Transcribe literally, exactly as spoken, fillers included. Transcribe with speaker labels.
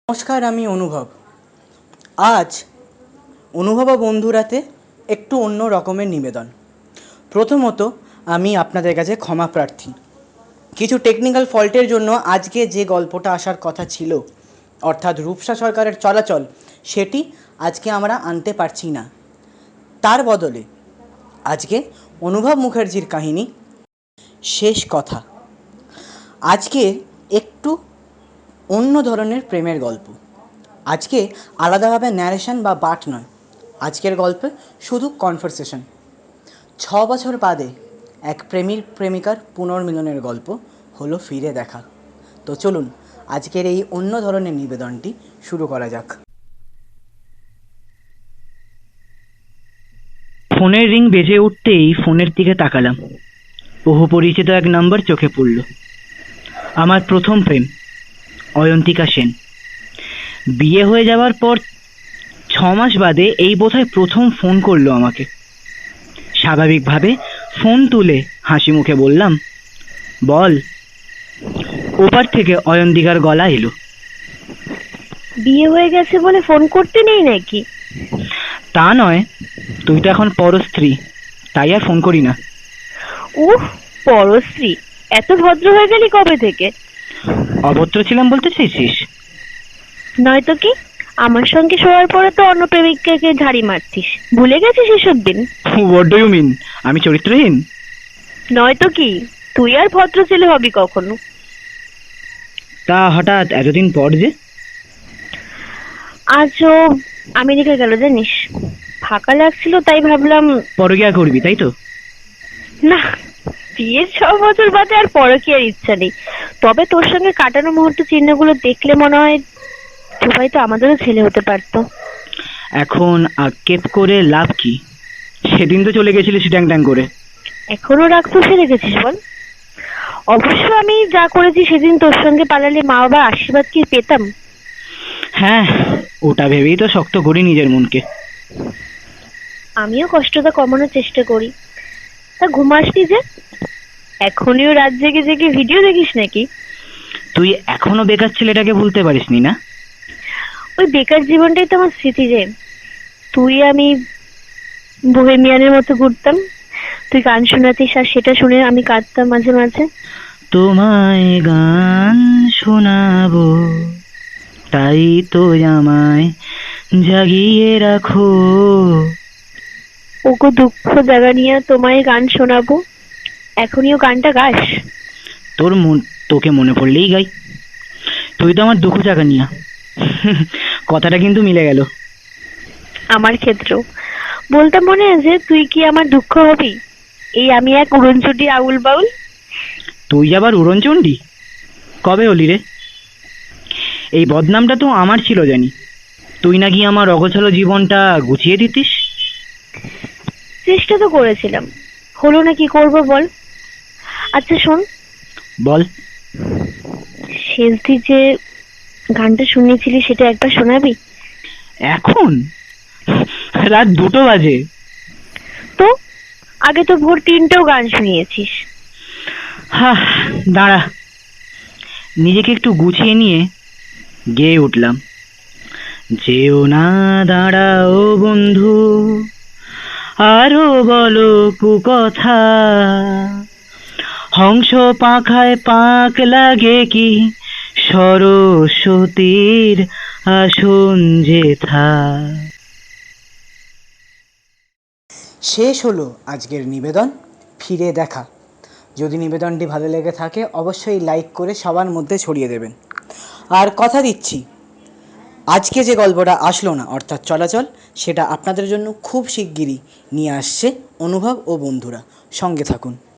Speaker 1: নমস্কার, আমি অনুভব। আজ অনুভব ও বন্ধুরাতে একটু অন্য রকমের নিবেদন। প্রথমত আমি আপনাদের কাছে ক্ষমা প্রার্থী। কিছু টেকনিক্যাল ফল্টের জন্য আজকে যে গল্পটা আসার কথা ছিল, অর্থাৎ রূপসা সরকারের চলাচল, সেটি আজকে আমরা আনতে পারছি না। তার বদলে আজকে অনুভব মুখার্জির কাহিনী শেষ কথা। আজকে একটু অন্য ধরনের প্রেমের গল্প। আজকে আলাদাভাবে ন্যারেশন বা পাঠ নয়, আজকের গল্পে শুধু কনভারসেশন। ছ বছর বাদে এক প্রেমীর প্রেমিকার পুনর্মিলনের গল্প হলো ফিরে দেখা। তো চলুন আজকের এই অন্য ধরনের নিবেদনটি শুরু করা যাক।
Speaker 2: ফোনের রিং বেজে উঠতেই ফোনের দিকে তাকালাম। বহু পরিচিত এক নাম্বার চোখে পড়ল। আমার প্রথম প্রেম, অয়ন্তিকা সেন। বিয়ে হয়ে যাওয়ার পর ছ মাস বাদে এই বোধহয় প্রথম ফোন করলো আমাকে। স্বাভাবিকভাবে ফোন তুলে হাসি মুখে বললাম, বল। ওপার থেকে অয়ন্তিকার গলা এলো,
Speaker 3: বিয়ে হয়ে গেছে বলে ফোন করতে নেই নাকি?
Speaker 2: তা নয়, তুই তো এখন পরস্ত্রী, তাই আর ফোন করি না।
Speaker 3: উহ, পরশ্রী, এত ভদ্র হয়ে গেলি কবে থেকে?
Speaker 2: অভদ্র ছিলাম বলতে চাইছিস?
Speaker 3: নয়তো কি, আমার সঙ্গে শোয়ার পরে তো অন্য প্রেমিককে ঝাড়ি মারছিস, ভুলে গেছিস এসব দিন?
Speaker 2: What do you mean? আমি চরিত্রহীন?
Speaker 3: নয়তো কি, তুই আর ভদ্র ছেলে হবি কখনো?
Speaker 2: তা হঠাৎ এতদিন পর যে?
Speaker 3: আজ ও আমেরিকা গেল জানিস, ফাঁকা লাগছিল তাই ভাবলাম।
Speaker 2: পরকিয়া করবি তাই তো?
Speaker 3: না, বিয়ের ছ বছর বাদে আর পরকীয়ার ইচ্ছা নেই। তবে তোর সঙ্গে কাটানো মুহূর্ত চিহ্নগুলো দেখলে মনে হয় সবাই তো আমাদেরও ছেলে হতে পারতো।
Speaker 2: এখন আক্ষেপ করে লাভ কি? সেদিন তো চলে গেছিলিস ট্যাং ট্যাং করে।
Speaker 3: এখনো রাগ পুষে রেখেছিস বল? অবশ্য আমি যা করেছি সেদিন তোর সঙ্গে পালালে মা বাবা আশীর্বাদ কি পেতাম?
Speaker 2: হ্যাঁ, ওটা ভেবেই তো শক্ত করি নিজের মনকে।
Speaker 3: আমিও কষ্টটা কমানোর চেষ্টা করি। তা ঘুমাসনি যে? এখনিও রাত জেগে জেগে ভিডিও দেখিস নাকি?
Speaker 2: তুই এখনো বেকার ছেলেটাকে ভুলতে পারিসনি না?
Speaker 3: ওই বেকার জীবনটাই তো আমার স্মৃতি রে। তুই আমি বোহেমিয়ানের মতো ঘুরতাম, তুই গান শোনাতিস আর সেটা শুনে আমি কাঁদতাম মাঝে মাঝে।
Speaker 2: তোমায় গান শোনাবো, তাই তো আমায় জাগিয়ে রাখো।
Speaker 3: ওগো দুঃখ জাগা নিয়ে তোমায় গান শোনাবো, এখনিও গানটা গাস?
Speaker 2: তোর মন, তোকে মনে পড়লেই গাই। তুই তো আমার দুঃখ জাগা নিয়া। কথাটা কিন্তু মিলে গেল।
Speaker 3: আমার ক্ষেত্রেও বলতে মনে আছে, তুই কি আমার দুঃখ হবি? এই আমি এক উড়নচুটি আউল বাউল।
Speaker 2: তুই আবার উড়নচণ্ডী? কবে হলি রে? এই বদনামটা তো আমার ছিল জানি। তুই নাকি আমার অগোছালো জীবনটা গুছিয়ে দিতিস।
Speaker 3: চেষ্টা তো করেছিলাম, হলো না, কি করবো বল? আচ্ছা শোন,
Speaker 2: বল।
Speaker 3: শেষ দিন যে গানটা শুনিয়েছিলি সেটা একবার শোনাবি?
Speaker 2: এখন রাত দুটো বাজে।
Speaker 3: তো আগে তো ভোর তিনটেও গান শুনিয়েছিস।
Speaker 2: হা, দাঁড়া, নিজেকে একটু গুছিয়ে নিয়ে গেয়ে উঠলাম। যেও না দাঁড়াও বন্ধু, আরো বলো কুকথা। হংস পাখায় পাক লাগে কি, সরস্বতীর আসন যেথা।
Speaker 1: শেষ হলো আজকের নিবেদন ফিরে দেখা। যদি নিবেদনটি ভালো লেগে থাকে অবশ্যই লাইক করে সবার মধ্যে ছড়িয়ে দেবেন। আর কথা দিচ্ছি, আজকে যে গল্পটা আসলো না অর্থাৎ চলাচল, সেটা আপনাদের জন্য খুব শিগগিরই নিয়ে আসছে অনুভব ও বন্ধুরা। সঙ্গে থাকুন।